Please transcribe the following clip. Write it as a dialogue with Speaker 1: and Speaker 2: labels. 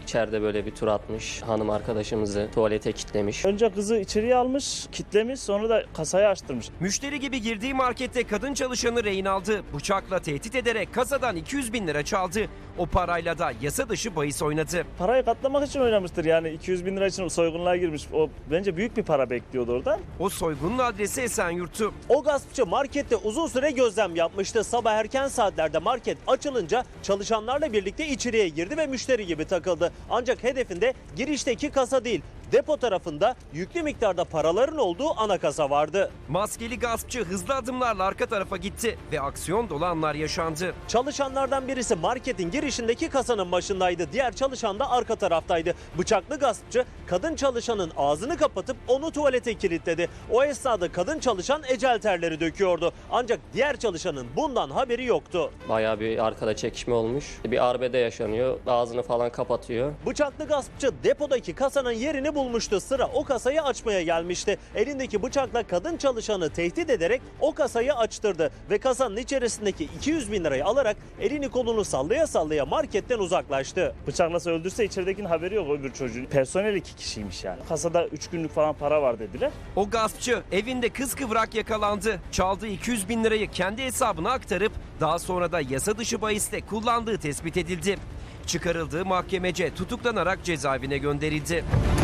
Speaker 1: İçeride böyle bir tur atmış. Hanım arkadaşımızı tuvalete kilitlemiş.
Speaker 2: Önce kızı içeriye almış, kitlemiş, sonra da kasayı açtırmış.
Speaker 3: Müşteri gibi girdiği markette kadın çalışanı rehin aldı. Bıçakla tehdit ederek kasadan 200 bin lira çaldı. O parayla da yasa dışı bahis oynadı.
Speaker 2: Parayı katlamak için oynamıştır yani 200 bin lira için soygunluğa girmiş. O bence büyük bir para bekliyordu orada.
Speaker 3: O soygunun adresi Esenyurt'tu.
Speaker 4: O gaspçı markette uzun süre gözlem yapmıştı. Sabah erken saatlerde market açılınca çalışanlarla birlikte içeriye girdi ve müşteri gibi takıldı. Ancak hedefinde girişteki kasa değil, depo tarafında yüklü miktarda paraların olduğu ana kasa vardı.
Speaker 3: Maskeli gaspçı hızlı adımlarla arka tarafa gitti ve aksiyon dolu anlar yaşandı.
Speaker 4: Çalışanlardan birisi marketin girişindeki kasanın başındaydı. Diğer çalışan da arka taraftaydı. Bıçaklı gaspçı kadın çalışanın ağzını kapatıp onu tuvalete kilitledi. O esnada kadın çalışan ecel terleri döküyordu. Ancak diğer çalışanın bundan haberi yoktu.
Speaker 1: Bayağı bir arkada çekişme olmuş. Bir arbede yaşanıyor. Ağzını falan kapatıyor.
Speaker 4: Bıçaklı gaspçı depodaki kasanın yerini bulmuştu. Sıra o kasayı açmaya gelmişti. Elindeki bıçakla kadın çalışanı tehdit ederek o kasayı açtırdı. Ve kasanın içerisindeki 200 bin lirayı alarak elini kolunu sallaya sallaya marketten uzaklaştı.
Speaker 2: Bıçaklasa öldürse içeridekinin haberi yok öbür çocuğun. Personel 2 kişiymiş yani. Kasada 3 günlük falan para var dediler.
Speaker 3: O gaspçı evinde kıskıvrak yakalandı. Çaldığı 200 bin lirayı kendi hesabına aktarıp daha sonra da yasa dışı bahiste kullandığı tespit edildi. Çıkarıldığı mahkemece tutuklanarak cezaevine gönderildi.